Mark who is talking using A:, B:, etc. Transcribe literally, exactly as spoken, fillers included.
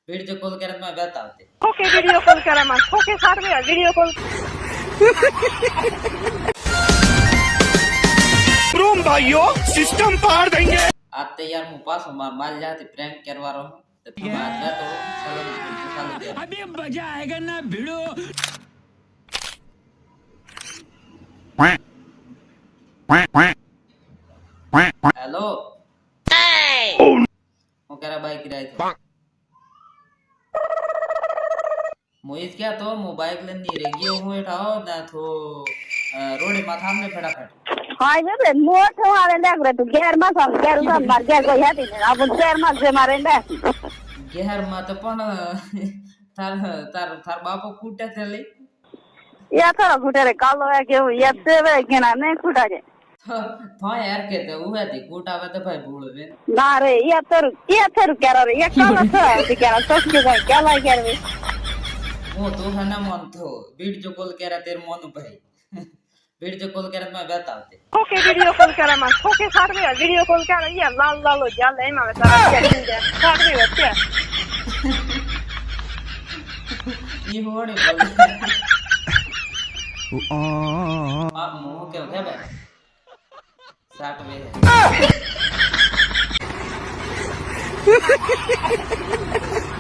A: Video call करत मैं बतावते
B: okay video call करा मत ओके साथ में वीडियो कॉल
C: रूम भाइयों सिस्टम पार देंगे।
A: आते यार मु पास मार माल जाते प्रैंक करवा रहा हूं तो तुम आज ना तो चलो चालू कर
C: अभी मजा आएगा ना भिड़ो।
A: हेलो वो कह रहा भाई किराए थे मोहित क्या तो मोबाइल लेने नहीं रही हूँ उठाओ ना तो रोड माथा में फटाफट
B: हाय बे मोट वाले देख रे तू गेर मा सम गेर सम मार गेर कोई है नहीं अब गेर मा से मारे दे
A: गेर मा तो पण तार तार तार बापो कूटे थे ले
B: या थोड़ा फुटे रे कालो है के ये से वे के ना नहीं फुटा जे
A: तो यार कहते हुए थी कूटावे तो भाई भूल वे
B: ना रे ये तर ये तर कह रे ये काला था कि क्या सोच के भाई क्या लाई कर रे
A: वो तो है ना मन तो वीडियो कॉल कह रहा तेरे मन भाई वीडियो कॉल कर मैं बतावते
B: ओके वीडियो कॉल करा मत ओके साथ में वीडियो कॉल करा ये लाल लाल हो जा ले मैं साथ में साथ में बच्चे
A: ये होड़े बोल आप मुंह के उठे बे साठ में